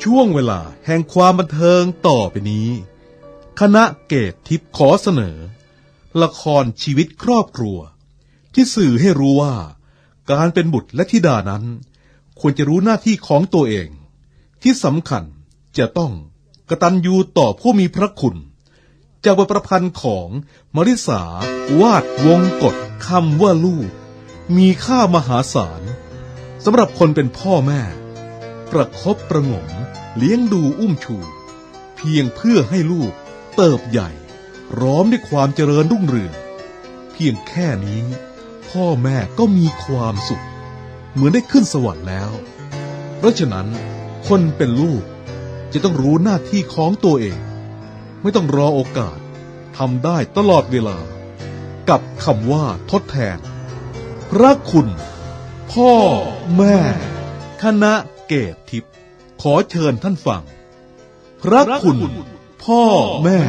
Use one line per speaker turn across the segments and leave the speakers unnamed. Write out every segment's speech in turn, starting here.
ช่วงเวลาแห่งความบันเทิงต่อไปนี้คณะเกตทิพย์ขอเสนอละครชีวิตครอบครัวที่สื่อให้รู้ว่าการเป็นบุตรและธิดานั้นควรจะรู้หน้าที่ของตัวเองที่สำคัญจะต้องกตัญญูต่อผู้มีพระคุณจากบทประพันธ์ของมริษาวาดวงกฎคำว่าลูกมีค่ามหาศาลสำหรับคนเป็นพ่อแม่ประคบประหงมเลี้ยงดูอุ้มชูเพียงเพื่อให้ลูกเติบใหญ่พร้อมด้วยความเจริญรุ่งเรืองเพียงแค่นี้พ่อแม่ก็มีความสุขเหมือนได้ขึ้นสวรรค์แล้วเพราะฉะนั้นคนเป็นลูกจะต้องรู้หน้าที่ของตัวเองไม่ต้องรอโอกาสทำได้ตลอดเวลากับคำว่าทดแทนพระคุณพ่อแม่คณะเกตทิพย์ขอเชิญท่านฟังพระคุณพ่อแม่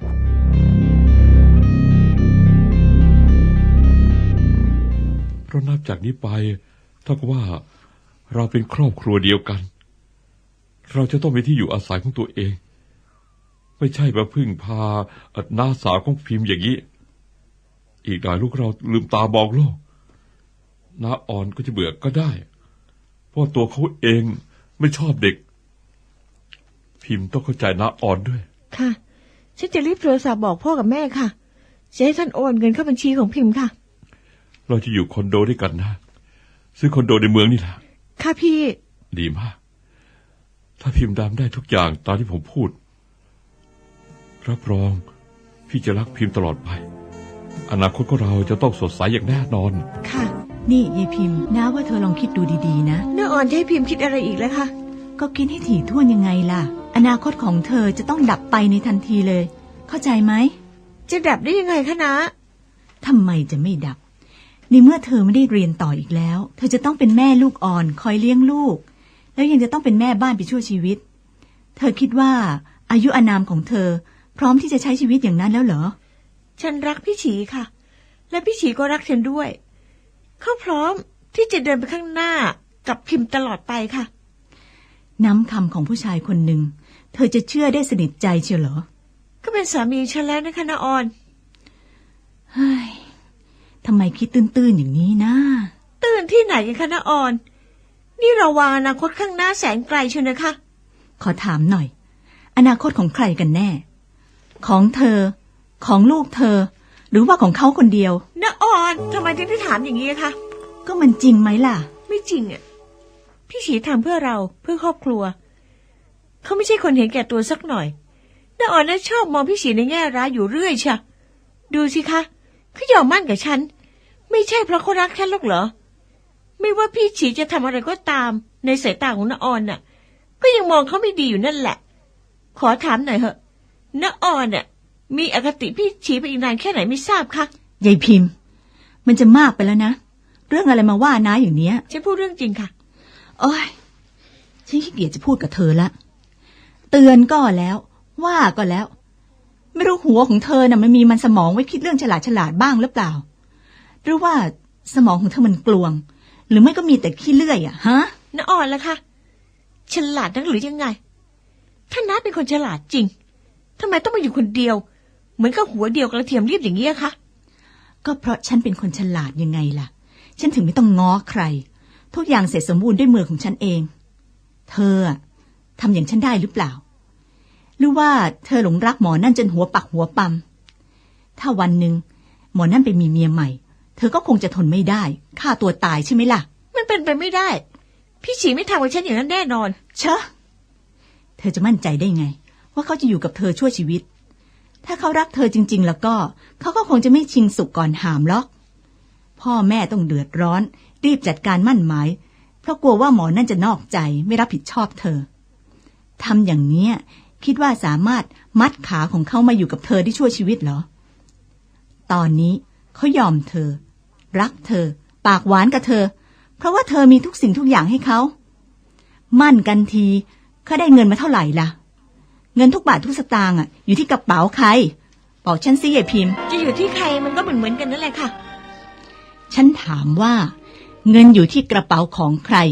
เพราะนับจากนี้ไปเท่ากับว่าเราเป็นครอบครัวเดียวกันเราจะต้องมีที่อยู่อาศัยของตัวเองไม่ใช่มาพึ่งพาน้าสาวของพิมพ์อย่างนี้อีกหน่อยลูกเราลืมตามองโลกน้าอ่อนก็จะเบื่อก็ได้เพราะตัวเขาเองไม่ชอบเด็กพิมพ์ต้องเข้าใจน้าอ่อนด้วย
ค่ะฉันจะรีบโทรศัพท์บอกพ่อกับแม่ค่ะจะให้ท่านโอนเงินเข้าบัญชีของพิมพ์ค่ะ
เราจะอยู่คอนโดด้วยกันนะซื้อคอนโดในเมืองนี่แหละ
ค่ะพี่
ดีมากถ้าพิมพ์ดำได้ทุกอย่างตามที่ผมพูดรับรองพี่จะรักพิมพ์ตลอดไปอนาคตของเราจะต้องสดใสอย่างแน่นอน
ค่ะ
นี่ยายพิมพ์น้าว่าเธอลองคิดดูดีๆนะ
น้าอ่อนจะให้พิมพ์คิดอะไรอีกแล้วคะ
ก็คิดให้ถี่ถ้วนยังไงล่ะอนาคตของเธอจะต้องดับไปในทันทีเลยเข้าใจไหม
จะดับได้ยังไงคะน้า
ทำไมจะไม่ดับในเมื่อเธอไม่ได้เรียนต่ออีกแล้วเธอจะต้องเป็นแม่ลูกอ่อนคอยเลี้ยงลูกแล้วยังจะต้องเป็นแม่บ้านไปชั่วชีวิตเธอคิดว่าอายุอานามของเธอพร้อมที่จะใช้ชีวิตอย่างนั้นแล้วเหรอ
ฉันรักพี่ฉีค่ะและพี่ฉีก็รักฉันด้วยเขาพร้อมที่จะเดินไปข้างหน้ากับพิมพ์ตลอดไปค่ะ
น้ำคำของผู้ชายคนหนึ่งเธอจะเชื่อได้สนิทใจเชียวเหรอ
ก็เป็นสามีฉันแล้วนะคะน้าออน
เฮ้ยทำไมคิดตื้นๆอย่างนี้นะ
ตื้นที่ไหนกันคะน้าออนนี่เราวางอนาคตข้างหน้าแสนไกลเชียวนะคะ
ขอถามหน่อยอนาคตของใครกันแน่ของเธอของลูกเธอหรือว่าของเขาคนเดียว
น้าออนทำไมถึงได้ถามอย่างนี้คะ
ก็มันจริงไหมล่ะ
ไม่จริงอ่ะพี่ฉีทำเพื่อเราเพื่อครอบครัวเขาไม่ใช่คนเห็นแก่ตัวสักหน่อยน้าออนน่ะชอบมองพี่ฉีในแง่ร้ายอยู่เรื่อยเชียวดูสิคะเขายอมมั่นกับฉันไม่ใช่เพราะเขารักฉันหรอกเหรอไม่ว่าพี่ฉีจะทำอะไรก็ตามในสายตาของน้าออนน่ะก็ยังมองเขาไม่ดีอยู่นั่นแหละขอถามหน่อยเหอะน้าออนน่ะมีอคติพี่ฉีไปอีกนานแค่ไหนไม่ทราบคะ
ยายพิมพ์มันจะมากไปแล้วนะเรื่องอะไรมาว่าน้าอย่างเนี้ย
ฉันพูดเรื่องจริงค่ะ
โอ้ยฉันขี้เกียจจะพูดกับเธอละเตือนก็แล้วว่าก็แล้วไม่รู้หัวของเธอน่ะมันสมองไว้คิดเรื่องฉลาดบ้างหรือเปล่าหรือว่าสมองของเธอมันกลวงหรือไม่ก็มีแต่ขี้เลื่อยอ่ะฮะ
น้าอ่อนล่ะคะฉลาดนักหรือยังไงถ้าน้าเป็นคนฉลาดจริงทำไมต้องมาอยู่คนเดียวเหมือนกับหัวเดียวกระเทียมรีบอย่างนี้คะ
ก็เพราะฉันเป็นคนฉลาดยังไงล่ะฉันถึงไม่ต้องง้อใครทุกอย่างเสร็จสมบูรณ์ด้วยมือของฉันเองเธอทำอย่างฉันได้หรือเปล่าหรือว่าเธอหลงรักหมอนั่นจนหัวปักหัวปั๊มถ้าวันหนึ่งหมอนั่นไปมีเมียใหม่เธอก็คงจะทนไม่ได้ฆ่าตัวตายใช่ไหมล่ะ
มันเป็นไปไม่ได้พี่ฉีไม่ทำกับฉันอย่างนั้นแน่นอน
เชอะเธอจะมั่นใจได้ไงว่าเขาจะอยู่กับเธอชั่วชีวิตถ้าเขารักเธอจริงๆแล้วก็เขาก็คงจะไม่ชิงสุกก่อนหามหรอกพ่อแม่ต้องเดือดร้อนรีบจัดการมั่นหมายเพราะกลัวว่าหมอนั่นจะนอกใจไม่รับผิดชอบเธอทำอย่างนี้คิดว่าสามารถมัดขาของเขามาอยู่กับเธอได้ชั่วชีวิตเหรอตอนนี้เขายอมเธอรักเธอปากหวานกับเธอเพราะว่าเธอมีทุกสิ่งทุกอย่างให้เขามั่นกันทีเขาได้เงินมาเท่าไหร่ล่ะเงินทุกบาททุกสตางค์อยู่ที่กระเป๋าใครบอกฉันสิยายพิมพ์
จะอยู่ที่ใครมันก็เหมือนกันนั่นแหละค่ะ
ฉันถามว่าเงินอยู่ที่กระเป๋าของใคร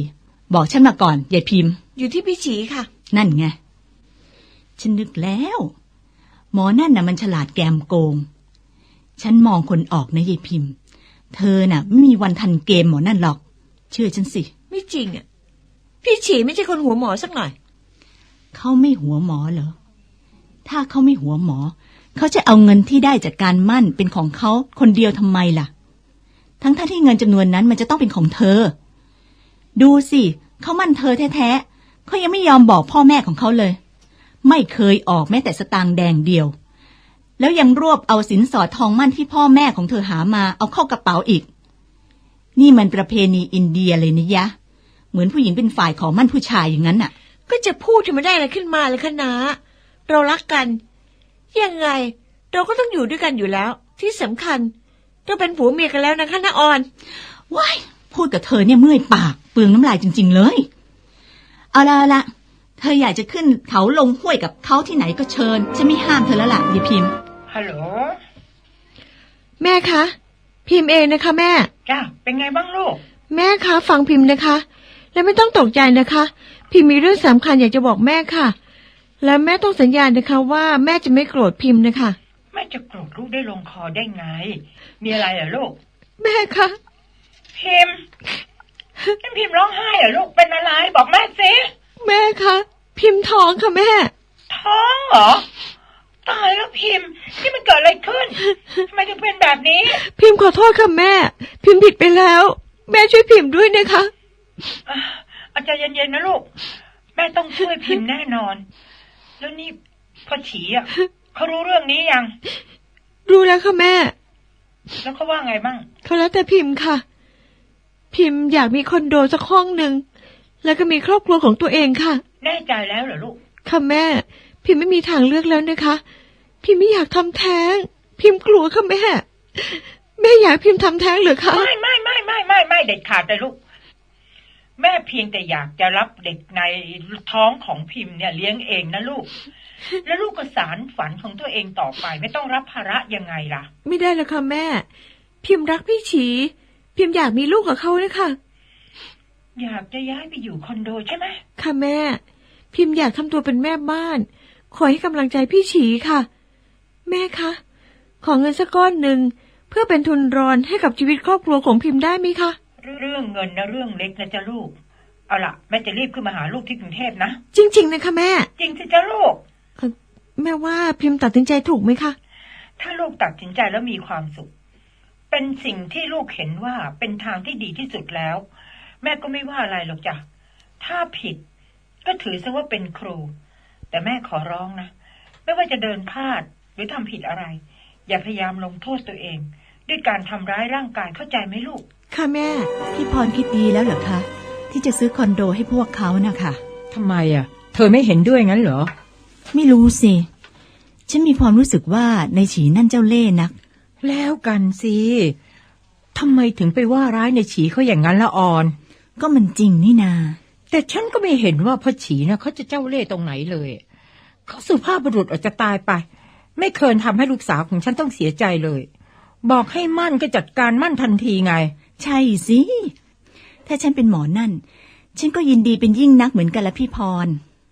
บอกฉันมาก่อนยายพิมพ์
อยู่ที่พี่ฉีค่ะ
นั่นไงฉันนึกแล้ว หมอนั่นน่ะมันฉลาดแกมโกงฉันมองคนออกนะยายพิมพ์ เธอน่ะไม่มีวันทันเกมหมอนั่นหรอกเชื่อฉันสิ
ไม่จริงอ่ะพี่ฉีไม่ใช่คนหัวหมอสักหน่อย
เขาไม่หัวหมอเหรอถ้าเขาไม่หัวหมอเขาจะเอาเงินที่ได้จากการมั่นเป็นของเขาคนเดียวทำไมล่ะทั้งที่เงินจำนวนนั้นมันจะต้องเป็นของเธอดูสิเขามั่นเธอแท้ๆเขายังไม่ยอมบอกพ่อแม่ของเขาเลยไม่เคยออกแม้แต่สตางค์แดงเดียวแล้วยังรวบเอาสินสอดทองมั่นที่พ่อแม่ของเธอหามาเอาเข้ากระเป๋าอีกนี่มันประเพณีอินเดียเลยนะยะเหมือนผู้หญิงเป็นฝ่ายขอมั่นผู้ชายอย่างนั้นน่ะ
ก็จะพูดที่มันได้อะไรขึ้นมาเลยคะนาเรารักกันยังไงเราก็ต้องอยู่ด้วยกันอยู่แล้วที่สำคัญเราเป็นผัวเมียกันแล้วนะคะน้าออน
ว้ายพูดกับเธอเนี่ยเมื่อยปากเปลืองน้ำลายจริงๆเลยเอาละเธออยากจะขึ้นเขาลงห้วยกับเขาที่ไหนก็เชิญฉันไม่ห้ามเธอแล้วล่ะยายพิมพ์
ฮัลโหล
แม่คะพิมพ์เองนะคะแม่
จ้าเป็นไงบ้างลูก
แม่คะฟังพิมพ์นะคะและไม่ต้องตกใจนะคะพิมพ์มีเรื่องสำคัญอยากจะบอกแม่ค่ะและแม่ต้องสัญญานะคะว่าแม่จะไม่โกรธพิมพ์นะคะ
แม่จะโกรธลูกได้ลงคอได้ไงมีอะไรเหรอลูก
แม่คะ
พิมพ์ร้องไห้เหรอลูกเป็นอะไรบอกแม่สิ
แม่คะพิมพ์ท้องค่ะแม่
ท้องเหรอตายแล้วพิมพ์นี่มันเกิดอะไรขึ้นทำไมถึงเป็นแบบนี้
พิมพ์ขอโทษค่ะแม่พิมพ์ผิดไปแล้วแม่ช่วยพิมพ์ด้วยนะคะ
อาจารย์เย็นๆนะลูกแม่ต้องช่วยพิมพ์แน่นอนแล้วนี่พ่อฉีอ่ะเขารู้เรื่องนี้ยัง
รู้แล้วค่ะแม่
แล้วเขาว่าไงบ้าง
เขาแล้วแต่พิมพ์ค่ะพิมพ์อยากมีคอนโดสักห้องหนึ่งแล้วก็มีครอบครัวของตัวเองค่ะ
แน่ใจแล้วเหรอลูก
ค่ะแม่พิมพ์ไม่มีทางเลือกแล้วนะคะพิมพ์ไม่อยากทำแท้งพิมพ์กลัวค่ะแม่อยากพิมพ์ทำแท้งหรือคะ
ไม่เด็ดขาดเลยลูกแม่เพียงแต่อยากจะรับเด็กในท้องของพิมพ์เนี่ยเลี้ยงเองนะลูกแล้วลูกก็สานฝันของตัวเองต่อไปไม่ต้องรับภาระยังไงล่ะ
ไม่ได้แล้วค่ะแม่พิมพ์รักพี่ฉีพิมพ์อยากมีลูกกับเขานะคะ
อยากจะย้ายไปอยู่คอนโดใช่ไหม
ค่ะแม่พิมพ์อยากทำตัวเป็นแม่บ้านคอยให้กำลังใจพี่ฉีค่ะแม่คะขอเงินสักก้อนหนึ่งเพื่อเป็นทุนรอนให้กับชีวิตครอบครัวของพิมพ์ได้ไหมคะ
เรื่องเงินนะเรื่องเล็กนะจ๊ะลูกเอาล่ะแม่จะรีบขึ้นมาหาลูกที่กรุงเทพนะ
จริงๆนะคะแม่
จริงสิจ๊ะลูก
แม่ว่าพิมพ์ตัดสินใจถูกไหมคะ
ถ้าลูกตัดสินใจแล้วมีความสุขเป็นสิ่งที่ลูกเห็นว่าเป็นทางที่ดีที่สุดแล้วแม่ก็ไม่ว่าอะไรหรอกจ้ะถ้าผิดก็ถือซะว่าเป็นครูแต่แม่ขอร้องนะไม่ว่าจะเดินพลาดหรือทำผิดอะไรอย่าพยายามลงโทษตัวเองด้วยการทำร้ายร่างกายเข้าใจไหมลูก
ค่ะแม่
พี่พรคิดดีแล้วเหรอคะที่จะซื้อคอนโดให้พวกเขานะคะ
ทำไมอ่ะเธอไม่เห็นด้วยงั้นเหรอ
ไม่รู้สิฉันมีความรู้สึกว่าในฉีนั่นเจ้าเล่ห์นัก
แล้วกันสิทำไมถึงไปว่าร้ายในฉีเขาอย่างนั้นละออน
ก็มันจริงนี่นา
แต่ฉันก็ไม่เห็นว่าพ่อฉีนะเขาจะเจ้าเล่ห์ตรงไหนเลยเขาสุภาพบุรุษออกจะตายไปไม่เคยทำให้ลูกสาวของฉันต้องเสียใจเลยบอกให้มั่นก็จัดการมั่นทันทีไง
ใช่สิถ้าฉันเป็นหมอนั่นฉันก็ยินดีเป็นยิ่งนักเหมือนกันละพี่พร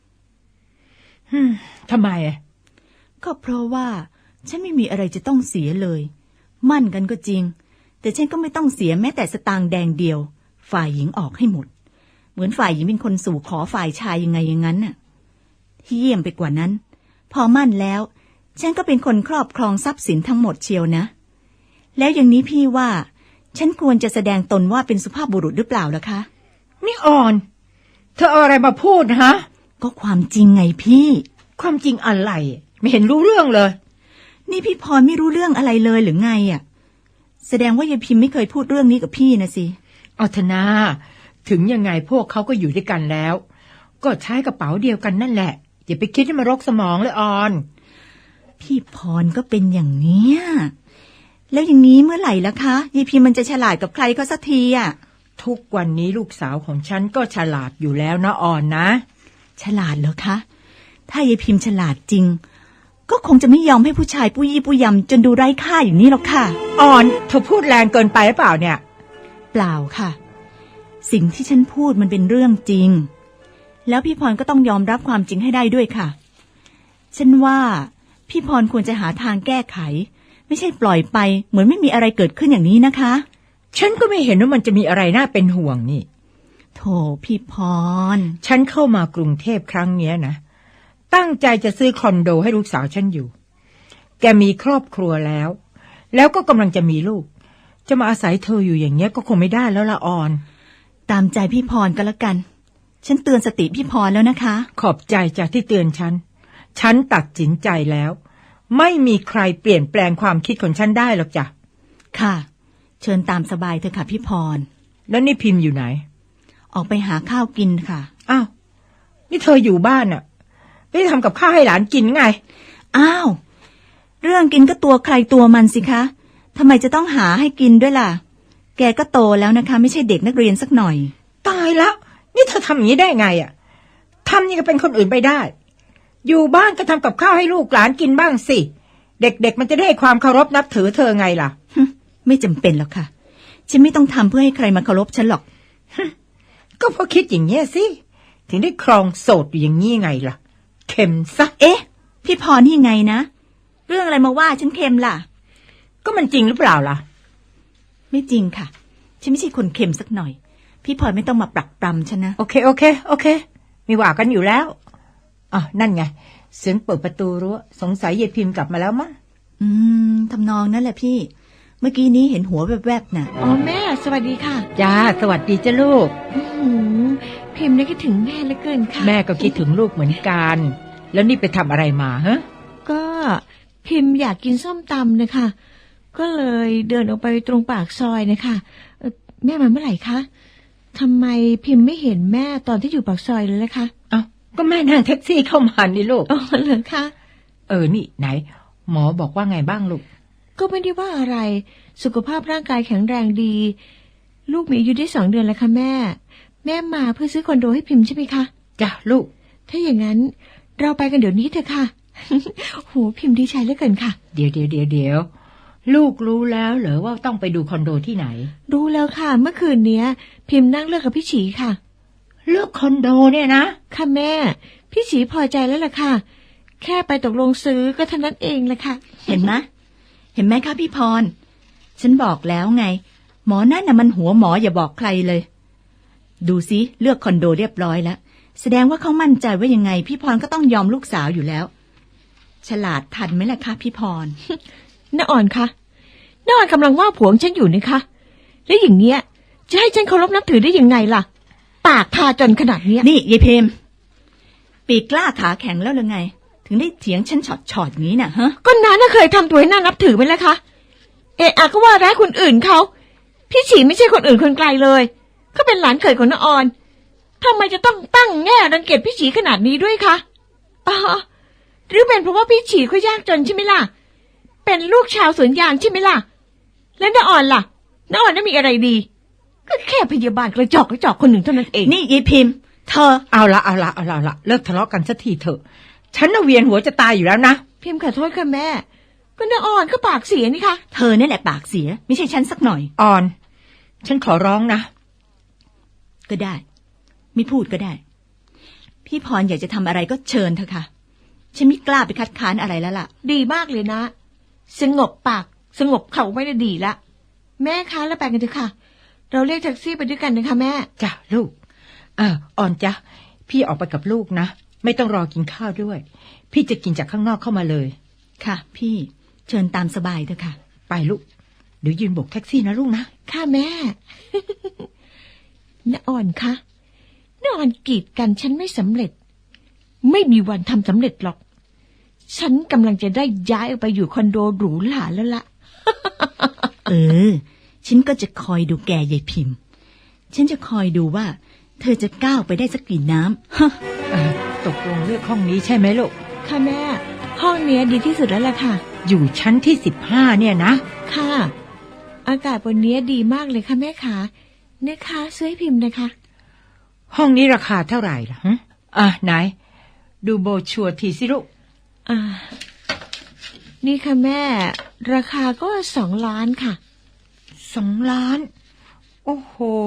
ทำไมอ่ะ
ก็เพราะว่าฉันไม่มีอะไรจะต้องเสียเลยมั่นกันก็จริงแต่ฉันก็ไม่ต้องเสียแม้แต่สตางค์แดงเดียวฝ่ายหญิงออกให้หมดเหมือนฝ่ายหญิงเป็นคนสู่ขอฝ่ายชายยังไงอย่างนั้นน่ะที่เยี่ยมไปกว่านั้นพอมั่นแล้วฉันก็เป็นคนครอบครองทรัพย์สินทั้งหมดเชียวนะแล้วอย่างนี้พี่ว่าฉันควรจะแสดงตนว่าเป็นสุภาพบุรุษหรือเปล่าล่ะคะ
นี่อ่อนเธอเอาอะไรมาพูดฮะ
ก็ความจริงไงพี่
ความจริงอะไรไม่เห็นรู้เรื่องเลย
นี่พี่พรไม่รู้เรื่องอะไรเลยหรือไงอ่ะแสดงว่ายายพิมพ์ไม่เคยพูดเรื่องนี้กับพี่นะสิ
เอาเถอะนะถึงยังไงพวกเขาก็อยู่ด้วยกันแล้วก็ใช้กระเป๋าเดียวกันนั่นแหละอย่าไปคิดให้มันรกสมองเลยออน
พี่พรก็เป็นอย่างเนี้ยแล้วอย่างนี้เมื่อไหร่ล่ะคะยายพิมพ์มันจะฉลาดกับใครก็สักทีอ่ะ
ทุกวันนี้ลูกสาวของฉันก็ฉลาดอยู่แล้วนะออนนะ
ฉลาดเหรอคะถ้ายายพิมพ์ฉลาดจริงก็คงจะไม่ยอมให้ผู้ชายปุยยี่ปุยยำจนดูไร้ค่าอย่างนี้หรอกค่ะ
ออนเธอพูดแรงเกินไปหรือเปล่าเนี่ย
เปล่าค่ะสิ่งที่ฉันพูดมันเป็นเรื่องจริงแล้วพี่พรก็ต้องยอมรับความจริงให้ได้ด้วยค่ะฉันว่าพี่พรควรจะหาทางแก้ไขไม่ใช่ปล่อยไปเหมือนไม่มีอะไรเกิดขึ้นอย่างนี้นะคะ
ฉันก็ไม่เห็นว่ามันจะมีอะไรน่าเป็นห่วงนี่
โธ่พี่พร
ฉันเข้ามากรุงเทพครั้งเนี้ยนะตั้งใจจะซื้อคอนโดให้ลูกสาวฉันอยู่แกมีครอบครัวแล้วก็กำลังจะมีลูกจะมาอาศัยเธออยู่อย่างเงี้ยก็คงไม่ได้แล้วละออน
ตามใจพี่พรก็แล้วกันฉันเตือนสติพี่พรแล้วนะคะ
ขอบใจจากที่เตือนฉันตัดสินใจแล้วไม่มีใครเปลี่ยนแปลงความคิดของฉันได้หรอกจ้ะ
ค่ะเชิญตามสบายเถอะค่ะพี่พร
แล้วนี่พิมพ์อยู่ไหน
ออกไปหาข้าวกินค่ะ
อ้าวนี่เธออยู่บ้านน่ะไม่ได้ทำกับข้าวให้หลานกินไง
อ้าวเรื่องกินก็ตัวใครตัวมันสิคะทำไมจะต้องหาให้กินด้วยล่ะแกก็โตแล้วนะคะไม่ใช่เด็กนักเรียนสักหน่อย
ตายแล้วนี่เธอทำอย่างนี้ได้ไงอ่ะทำนี่ก็เป็นคนอื่นไปได้อยู่บ้านก็ทำกับข้าวให้ลูกหลานกินบ้างสิเด็กๆมันจะได้ความเคารพนับถือเธอไงล่ะ
ไม่จำเป็นหรอกค่ะฉันไม่ต้องทำเพื่อให้ใครมาเคารพฉันหรอก
ก็เพราะคิดอย่างเงี้ยสิถึงได้ครองโสดอยู่อย่างนี้ไงล่ะเค็มซะ
เอ๊ะพี่พรนี่ไงนะเรื่องอะไรมาว่าฉันเค็มล่ะ
ก็มันจริงหรือเปล่าล่ะ
ไม่จริงค่ะฉันไม่ใช่คนเค็มสักหน่อยพี่พรไม่ต้องมาปรักปรำฉันนะ
โอเคมีว่ากันอยู่แล้วอ่ะนั่นไงเสียงเปิดประตูรั้วสงสัยยายพิมพ์กลับมาแล้วมั้ง
ทำนองนั่นแหละพี่เมื่อกี้นี้เห็นหัวแวบๆน่ะ
อ๋อแม่สวัสดีค่ะ
จ้าสวัสดีจ้าลูก
พิมพ์นี่คิดถึงแม่เหลือเกินค่ะ
แม่ก็คิดถึงลูกเหมือนกันแล้วนี่ไปทำอะไรมาฮะ
ก็พิมพ์อยากกินส้มตำนะคะก็เลยเดินออกไปตรงปากซอยนะคะแม่มาเมื่อไหร่คะทำไมพิมพ์ไม่เห็นแม่ตอนที่อยู่ปากซอยเลยล่ะคะ
เอ้าก็แม่นั่งแท็กซี่เข้ามานี่ลูก
อ๋อเหรอคะ
นี่ไหนหมอบอกว่าไงบ้างลูก
ก็ไม่ได้ว่าอะไรสุขภาพร่างกายแข็งแรงดีลูกมีอายุได้2 เดือนแล้วค่ะแม่มาเพื่อซื้อคอนโดให้พิมพ์ใช่ไหมคะ
จ้ะลูก
ถ้าอย่างนั้นเราไปกันเดี๋ยวนี้เถอะค่ะ โหพิมพ์ดีใจเหลือเกินค่ะ
เดี๋ยวลูกรู้แล้วเหรอว่าต้องไปดูคอนโดที่ไหน
รู้แล้วค่ะเมื่อคืนนี้พิมพ์นั่งเลือกกับพี่ฉีค่ะ
เลือกคอนโดเนี่ยนะ
ค่ะแม่พี่ฉีพอใจแล้วล่ะค่ะแค่ไปตกลงซื้อก็เท่านั้นเองแหละค่ะ
เห็นไหมคะพี่พรฉันบอกแล้วไงหมอนั่นน่ะมันหัวหมออย่าบอกใครเลยดูสิเลือกคอนโดเรียบร้อยแล้วแสดงว่าเขามั่นใจว่ายังไงพี่พรก็ต้องยอมลูกสาวอยู่แล้วฉลาดทันไหมล่ะคะพี่พร
น้าอ่อนคะน้าอ่อนกำลังว่าผัวฉันอยู่นี่คะแล้วอย่างเงี้ยจะให้ฉันเคารพนับถือได้ยังไงล่ะปากพาจนขนาดนี้
นี่ยายเพมปีกกล้าขาแข็งแล้วหรือไงถึงได้เถียงฉันช็อตนี้น่ะฮะ
ก็น้าน่ะเคยทำตัวให้น่านับถือไหมล่ะคะก็ว่าร้ายคนอื่นเขาพี่ฉีไม่ใช่คนอื่นคนไกลเลยเขาเป็นหลานเขยของน้าอ่อนทำไมจะต้องตั้งแง่รังเกียจพี่ฉีขนาดนี้ด้วยคะหรือเป็นเพราะว่าพี่ฉีเขายากจนใช่ไหมล่ะเป็นลูกชาวสวนยางใช่ไหมล่ะแล้วน้าอ่อนล่ะน้าอ่อนน่ะมีอะไรดีก็แค่พยาบาลกระจอกคนหนึ่งเท่านั้นเอง
นี่ยายพิมพ์เธอ
เอาละเลิกทะเลาะกันสักทีเถอะฉันน่ะเวียนหัวจะตายอยู่แล้วนะ
พิมพ์ขอโทษค่ะแม่ก็น้าอ่อนก็ปากเสียนี่คะ
เธอนี่แหละปากเสียไม่ใช่ฉันสักหน่อย
อ่อนฉันขอร้องนะ
ก็ได้ไม่พูดก็ได้พี่พรอยากจะทำอะไรก็เชิญเถอะค่ะฉันไม่กล้าไปคัดค้านอะไรแล้วล่ะ
ดีมากเลยนะสงบปากสงบเข่าไม่ได้ดีละแม่คะแล้วไปกันเถอะค่ะเราเรียกแท็กซี่ไปด้วยกันนะคะแม่
จ้ะลูกอ่อนจ้ะพี่ออกไปกับลูกนะไม่ต้องรอกินข้าวด้วยพี่จะกินจากข้างนอกเข้ามาเลย
ค่ะพี่เชิญตามสบายเถอะค่ะ
ไปลูกเดี๋ยวยืนโบกแท็กซี่นะลูกนะ
ค่ะแม่ น้าอ่อนคะน้าอ่อนกีดกันฉันไม่สำเร็จไม่มีวันทำสำเร็จหรอกฉันกำลังจะได้ย้ายออกไปอยู่คอนโดหรูหราแล้วล่ะ
ฉันก็จะคอยดูแกยายพิมพ์ฉันจะคอยดูว่าเธอจะก้าวไปได้สักกี่น้
ำตกลงเลือกห้องนี้ใช่ไหมลูก
ค่ะแม่ห้องนี้ดีที่สุดแล้วล่ะค่ะ
อยู่ชั้นที่15เนี่ยนะ
ค่ะอากาศบนนี้ดีมากเลยค่ะแม่ขาเนี่ยค่ะซื้อให้พิมพ์นะคะ
ห้องนี้ราคาเท่าไหร่ล่ะไหนดูโบชัวทีสิลูก
นี่ค่ะแม่ราคาก็2 ล้านค่ะ
2 ล้านโอ้โห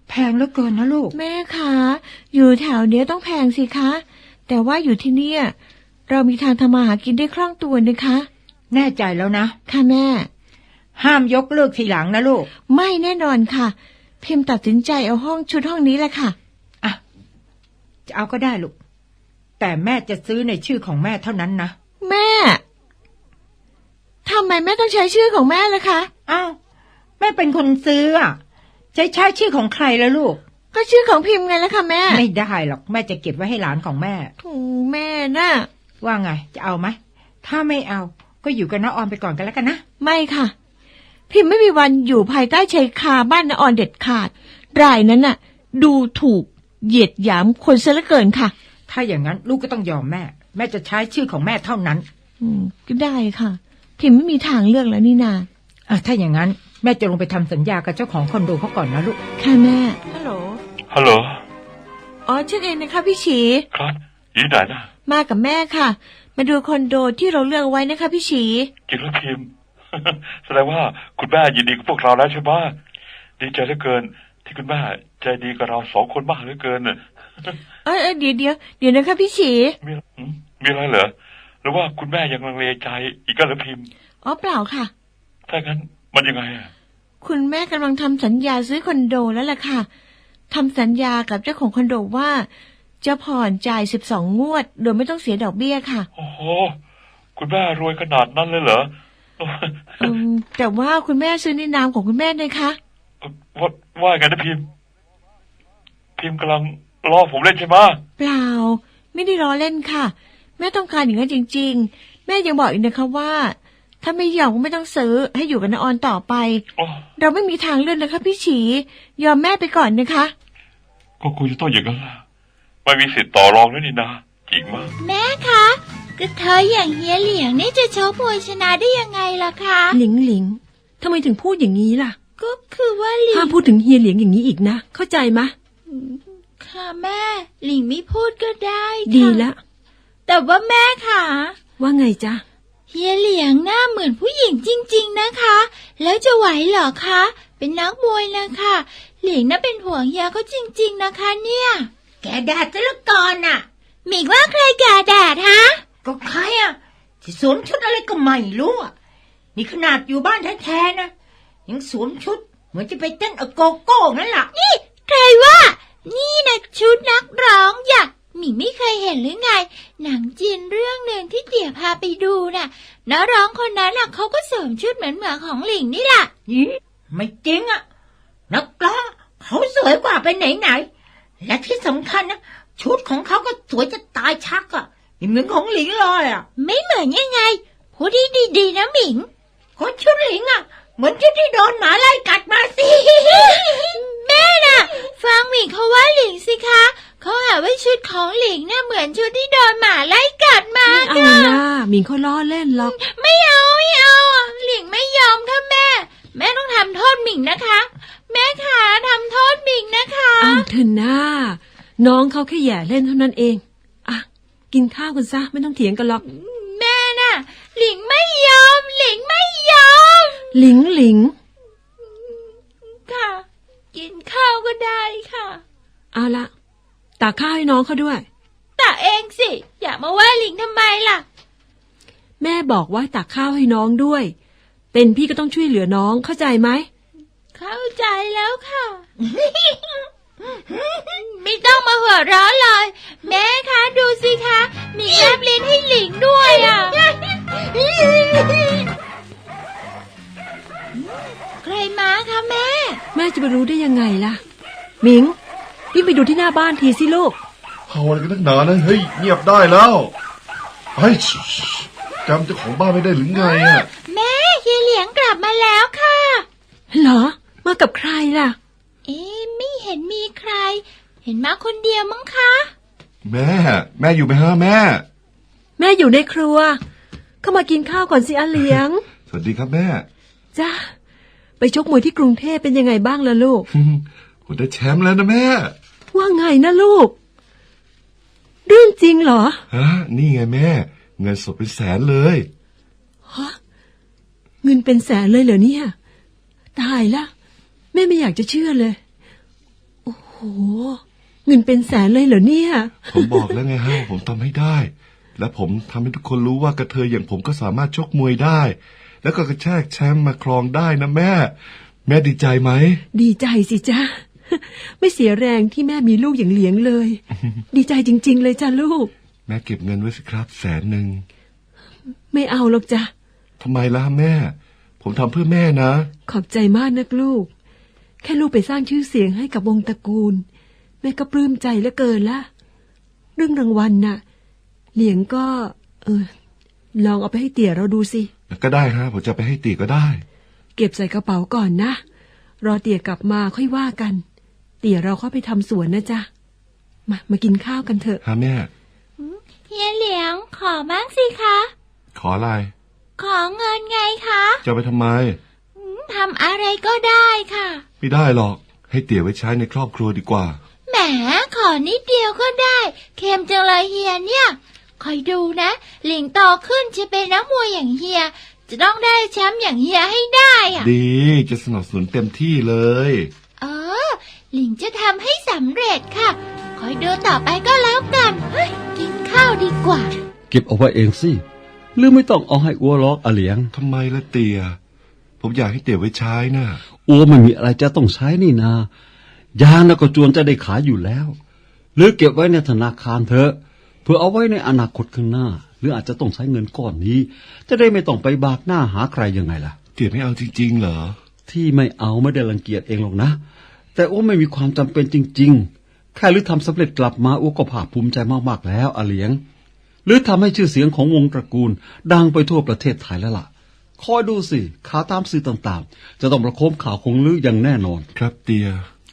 แพงเหลือเกินนะลูก
แม่คะอยู่แถวเนี้ยต้องแพงสิคะแต่ว่าอยู่ที่เนี่ยเรามีทางทำมาหากินได้คล่องตัวนะคะ
แน่ใจแล้วนะ
ค่ะแม่
ห้ามยกเลิกทีหลังนะลูก
ไม่แน่นอนค่ะ พิมพ์ตัดสินใจเอาชุดห้องนี้แหละค่ะ
อ่ะจะเอาก็ได้ลูกแต่แม่จะซื้อในชื่อของแม่เท่านั้นนะ
แม่ทำไมแม่ต้องใช้ชื่อของแม่ล่ะคะ
อ้าวแม่เป็นคนซื้ออ่ะจะใช้ชื่อของใครแล้วลูก
ก็ชื่อของพิมพ์ไงล่ะค่ะแม่
ไม่ได้หรอกแม่จะเก็บไว้ให้หลานของแม่
โธ่แม่น่ะ
ว่าไงจะเอาไหมถ้าไม่เอาก็อยู่กับน้าออนไปก่อนกันแล้วกันนะ
ไม่ค่ะ พิมพ์ไม่มีวันอยู่ภายใต้ชายคาบ้านน้าออนเด็ดขาดรายนั้นน่ะ ดูถูกเหยียดหยามคนซะเหลือเกินค่ะ
ถ้าอย่างนั้นลูกก็ต้องยอมแม่แม่จะใช้ชื่อของแม่เท่านั้น
ก็ได้ค่ะ พิมพ์ไม่มีทางเลือกแล้วนี่นา
ถ้าอย่างนั้นแม่จะลงไปทำสัญญากับเจ้าของคอนโดเขาก่อนนะลูก
ค่ะแม่ฮัลโหล
ฮัลโหล
อ๋อฉันเองนะคะพี่ฉี
ครับอยู่ไหนนะ
มากับแม่ค่ะ มาดูคอนโดที่เราเลือกไว้นะคะพี่ฉี
จริงแล้วพิมพ์ แสดงว่าคุณแม่ยินดีกับพวกเราแล้วใช่ไหมดีใจเหลือเกินที่คุณแม่ใจดีกับเรา2 คนมากเหลือเกินน่ะ
เดี๋ยวนะคะพี่ฉี
มีอะไรเหรอหรือว่าคุณแม่ยังลังเลใจอีกก็หรือพิมพ์
อ๋อเปล่าค่ะ
ถ้างั้นมันยังไงอ่ะ
คุณแม่กำลังทำสัญญาซื้อคอนโดแล้วล่ะค่ะทำสัญญากับเจ้าของคอนโดว่าจะผ่อนจ่าย12 งวดโดยไม่ต้องเสียดอกเบี้ยค่ะ
โอ้โหคุณแม่รวยขนาดนั้นเลยเหรอ
แต่ว่าคุณแม่ซื้อในนามของคุณแม่นะคะ
ว่าไงนะพิมพ์กำลังล้อผมเล่นใช่ไหม
เปล่าไม่ได้ล้อเล่นค่ะแม่ต้องการอย่างนั้นจริงๆแม่ยังบอกอีกนะคะว่าถ้าไม่ยอมก็ไม่ต้องซื้อให้อยู่กับน้าออนต่อไปเราไม่มีทางเลือกนะคะพี่ฉียอมแม่ไปก่อนนะคะ
ก็คงจะต้องอย่างนั้นล่ะไม่มีสิทธิ์ต่อรองแล้วนี่นะจริงมาก
แม่คะกระเทยอย่างเฮียเหลียงนี่จะชกมวยชนะได้ยังไงล่ะคะ
หลิงทำไมถึงพูดอย่างนี้ล่ะ
ก็คือว่าหลิ
ห้าง มพูดถึงเฮียเหลียงอย่างนี้อีกนะ เข้าใจมะ
ค่ะแม่หลิงไม่พูดก็ได้ค่ะ
ดีละ
แต่ว่าแม่ค่ะ
ว่าไงจ๊ะ
เฮียเหลียงหน้าเหมือนผู้หญิงจริงๆนะคะ แล้วจะไหวเหรอคะเป็นนักมวยนะคะหลิงน่าเป็นห่วงเฮียเขาจริงๆนะคะเนี่ย
แกแดดซะเหลือเกินน่ะ
หมิงว่าใครแก่แดดฮะ
ก็ใครอ่ะที่สวมชุดอะไรก็ไม่รู้อ่ะนี่ขนาดอยู่บ้านแท้ๆนะยังสวมชุดเหมือนจะไปเต้นโกโก้นั่นแหละ
นี่ใครว่านี่นะชุดนักร้องอยากหมิงไม่เคยเห็นหรือไงหนังจีนเรื่องหนึ่งที่เตี่ยพาไปดูน่ะนักร้องคนนั้นน่ะเขาก็สวมชุดเหมือนของหลิงนี่แหละ
ยี่ไม่จริงอ่ะนักร้องเขาสวยกว่าไปไหนๆและที่สำคัญนะชุดของเขาก็สวยจะตายชักอ่ะไม่เหมือนของหลิงเลยอ่ะ
ไม่เหมือนยังไงพูดดีๆนะหมิง
ก็ชุดหลิงอ่ะเหมือนชุดที่โดนหมาไล่กัดมาสิ
แม่น่ะฟังหมิงเขาว่าหลิงสิคะเขาหาว่าชุดของหลิงน่ะเหมือนชุดที่โดนหมาไล่กัดมา
ไม่เอานะหมิงเขาล้อเล่นหรอก
ไม่เอาอ่ะหลิงไม่ยอมค่ะแม่ต้องทำโทษหมิงนะคะ แม่ขาทำโทษหมิงนะคะ
เอาเถอะนะน้องเขาแค่แย่เล่นเท่านั้นเองอ่ะกินข้าวกันซะไม่ต้องเถียงกันหรอก
แม่น่ะหลิงไม่ยอมหลิงไม่ยอม
หลิง
ค่ะ กินข้าวก็ได้ค่ะ
เอาละตักข้าวให้น้องเขาด้วย
ตักเองสิอย่ามาว่าหลิงทำไมล่ะ
แม่บอกว่าตักข้าวให้น้องด้วย เป็นพี่ก็ต้องช่วยเหลือน้องเข้าใจไหม
เข้าใจแล้วค่ะ ไม่ต้องมาหัวเราะเลย แม่คะดูสิคะมีแลบลิ้นให้หลิงด้วยอ่ะ ใครมาคะแม่
แม่จะไปรู้ได้ยังไงล่ะหมิงวิ่งไปดูที่หน้าบ้านทีสิลูก
เอาอะไรกันนักหนานะเฮ้ยเงียบได้แล้วเฮ้ยจำเจ้าของบ้านไม่ได้หรือไงอ่ะ
แม่เฮียเหลียงกลับมาแล้วค่ะ
เหรอมากับใครล่ะ
ไม่เห็นมีใคร เห็นมาคนเดียวมั้งคะ
แม่อยู่ไหมฮะแม่
แม่อยู่ในครัว เข้ามากินข้าวก่อนสิอาเหลียง
สวัสดีครับแม่
จ้าไปชกมวยที่กรุงเทพเป็นยังไงบ้างล่ะลูก
ผมได้แชมป์แล้วนะแม่
ว่าไงนะลูก เรื่องจริงเหรอ
ฮะนี่ไงแม่ เงินสดเป็นแสนเลย
ฮะเงินเป็นแสนเลยเหรอเนี่ยตายละแม่ไม่อยากจะเชื่อเลยเงินเป็นแสนเลยเหรอเนี่ย
ผมบอกแล้วไงฮะผมทำให้ได้ และผมทำให้ทุกคนรู้ว่ากระเทยอย่างผมก็สามารถชกมวยได้ แล้วก็กระแทกแชมป์มาครองได้นะแม่ แม่ดีใจไหม
ดีใจสิจ้าไม่เสียแรงที่แม่มีลูกอย่างเหลียงเลย ดีใจจริงๆเลยจ้าลูก
แม่เก็บเงินไว้สิครับ100,000
ไม่เอาหรอกจ้ะ
ทำไมล่ะแม่ ผมทำเพื่อแม่นะ
ขอบใจมากนักลูกแค่ลูกไปสร้างชื่อเสียงให้กับวงตระกูลแม่ก็ปลื้มใจเหลือเกินละเรื่องรางวัลน่ะเหลียงก็ลองเอาไปให้เตี่ยเราดูสิ
ก็ได้ฮะผมจะไปให้ตีก็ได้
เก็บใส่กระเป๋าก่อนนะรอเตี่ยกลับมาค่อยว่ากันเตี่ยเราเข้าไปทำสวนนะจ๊ะมากินข้าวกันเถอะ
ฮะแม่
เฮียเหลียงขอบ้างสิคะ
ขออะไร
ขอเงินไงคะ
จะไปทำไม
ทำอะไรก็ได้ค่ะ
ไม่ได้หรอกให้เตี่ยไว้ใช้ในครอบครัวดีกว่า
แหมขอนิดเดียวก็ได้เค็มจังเลยเฮียเนี่ยคอยดูนะหลิงโตขึ้นจะเป็นนักมวยอย่างเฮียจะต้องได้แชมป์อย่างเฮียให้ได้อะ
ดีจะสนับสนุนเต็มที่เลย
หลิงจะทำให้สำเร็จค่ะคอยดูต่อไปก็แล้วกันกินข้าวดีกว่า
เก็บเอาไว้เองสิหรือไม่ต้องเอาให้อัวล็อกอาเหลียง
ทำไมล่ะเตี่ยผมอยากให้เตี่ยไว้ใช้นะ
อัวไม่มีอะไรจะต้องใช้นี่นายางแล้วก็จวนจะได้ขายอยู่แล้วหรือเก็บไว้ในธนาคารเถอะเพื่อเอาไว้ในอนาคตข้างหน้าหรืออาจจะต้องใช้เงินก้อนนี้จะได้ไม่ต้องไปบากหน้าหาใครยังไงล่ะ
เตี่ยไม่เอาจริงๆเหรอ
ที่ไม่เอาไม่ได้รังเกียจเองหรอกนะแต่อัวไม่มีความจำเป็นจริงๆแค่หรือทำสำเร็จกลับมาอัวก็ภาคภูมิใจมากๆแล้วอาเหลียงหรือทำให้ชื่อเสียงของวงตระกูลดังไปทั่วประเทศไทยแล้วล่ะคอยดูสิข่าวตามสื่อต่างๆจะต้องประโคมข่าวคงลืออย่างแน่นอน
ครับเตีย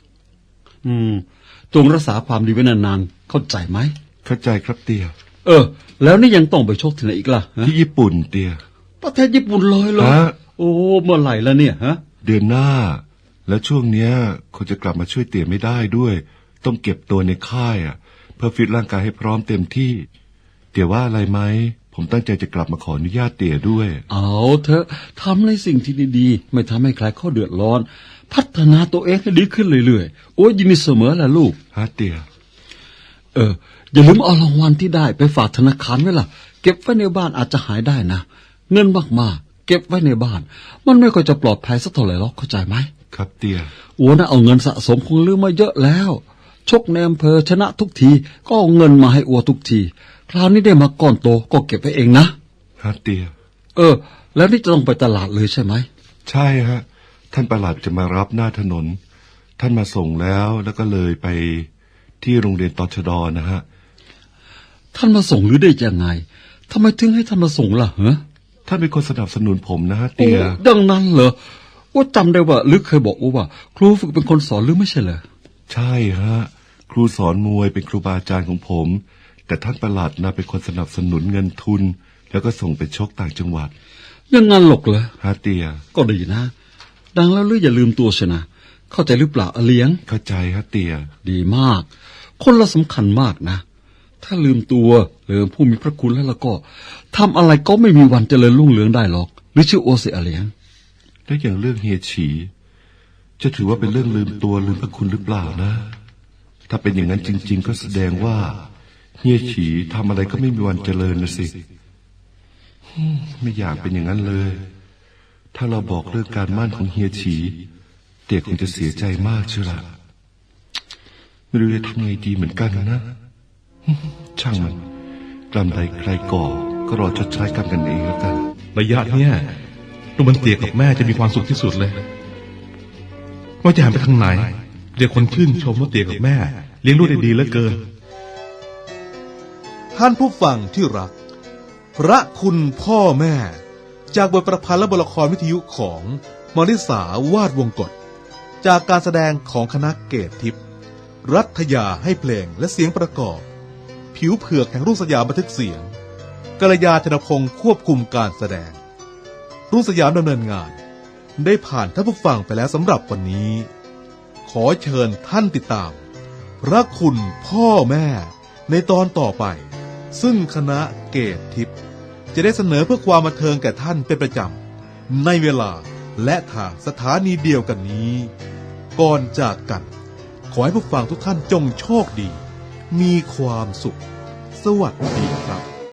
จงรักษาความดีไว้นานๆเข้าใจไหม
เข้าใจครับเตีย
แล้วนี่ยังต้องไปชกที่ไหนอีกล่ะ
ที่ญี่ปุ่นเตีย
ประเทศญี่ปุ่นเลยเหรอโอ้เมื่อไหร่แล้วเนี่ยฮะ
เดือนหน้าแล้วช่วงเนี้ยคนจะกลับมาช่วยเตียไม่ได้ด้วยต้องเก็บตัวในค่ายเพื่อฟิตร่างกายให้พร้อมเต็มที่เตียว่าอะไรไหมผมตั้งใจจะกลับมาขออนุญาตเตี่ยด้วย
เอาเถอะทำในสิ่งที่ดีๆไม่ทำให้ใครเขาเดือดร้อนพัฒนาตัวเองให้ดีขึ้นเรื่อยๆโอ้ยยินดีเสมอแหละลูก
ฮะเตี่ย
อย่าลืมเอารางวัลที่ได้ไปฝากธนาคารไว้ล่ะเก็บไว้ในบ้านอาจจะหายได้นะเงินมากๆเก็บไว้ในบ้านมันไม่ค่อยจะปลอดภัยสักเท่าไหร่หรอกเข้าใจไหม
ครับเตี่ย
โอ้นะเอาเงินสะสมคงลืมมาเยอะแล้วชกในอำเภอชนะทุกทีก็เอาเงินมาให้อัวทุกทีคราวนี้ได้มาก้อนโตก็เก็บไว้เองนะ
ฮะเตีย
แล้วนี่จะต้องไปตลาดเลยใช่ไหม
ใช่ฮะท่านประหลัดจะมารับหน้าถนนท่านมาส่งแล้วก็เลยไปที่โรงเรียนตชด.นะฮะ
ท่านมาส่งหรือได้ยังไงทำไมถึงให้ท่านมาส่งล่ะฮะ
ท่านเป็นคนสนับสนุนผมนะฮะเตีย
ดังนั้นเหรอว่าจำได้ว่าลึกเคยบอกว่าครูฝึกเป็นคนสอนหรือไม่ใช่เหรอ
ใช่ฮะครูสอนมวยเป็นครูบาอาจารย์ของผมแต่ท่านประหลัดนะเป็นคนสนับสนุนเงินทุนแล้วก็ส่งไปชกต่างจังหวัด
ยังงั้นหรอกเหรอ
ฮะเตีย
ก็ดีนะดังแล้วอย่าลืมตัวเชนะเข้าใจหรือเปล่าอาเลี้ยง
เข้าใจฮะเตีย
ดีมากคนละสำคัญมากนะถ้าลืมตัวลืมผู้มีพระคุณแล้วก็ทำอะไรก็ไม่มีวันเจริญรุ่งเรืองได้หรอกหรือชื่อโอเสอาเลี้ยง
แล้วอย่างเรื่องเฮียฉีจะถือว่าเป็นเรื่องลืมตัวลืมพระคุณหรือเปล่านะถ้าเป็นอย่างนั้นจริงๆก็แสดงว่าเฮียฉีทำอะไรก็ไม่มีวันเจริญนะสิไม่อยากเป็นอย่างนั้นเลยถ้าเราบอกเรื่องการมั่นของเฮียฉีเด็กคงจะเสียใจมากเชียวล่ะไม่รู้จะทำไงดีเหมือนกันนะช่างมันกรรมใดใครก่อก็รอชดใช้กรรมกันเองแล้วกัน
ระยะเนี้ยลูกมันเตี่ยกับแม่จะมีความสุขที่สุดเลยว่าจะหันไปทางไหนเดี๋ยวคนชื่นชมว่าเตี่ยกับแม่เลี้ยงลูกได้ดีเหลือเกินท่านผู้ฟังที่รักพระคุณพ่อแม่จากบทประพันธ์และบทละครวิทยุของมริสาวาดวงกฎจากการแสดงของคณะเกตทิพย์รัฐยาให้เพลงและเสียงประกอบผิวเผือกแห่งรุ่งสยามบันทึกเสียงกัลยาธนพงศ์ควบคุมการแสดงรุ่งสยามดำเนินงานได้ผ่านท่านผู้ฟังไปแล้วสำหรับวันนี้ขอเชิญท่านติดตามพระคุณพ่อแม่ในตอนต่อไปซึ่งคณะเกตทิพย์จะได้เสนอเพื่อความบันเทิงแก่ท่านเป็นประจำในเวลาและทางสถานีเดียวกันนี้ก่อนจากกันขอให้ผู้ฟังทุกท่านจงโชคดี มีความสุข สวัสดีครับ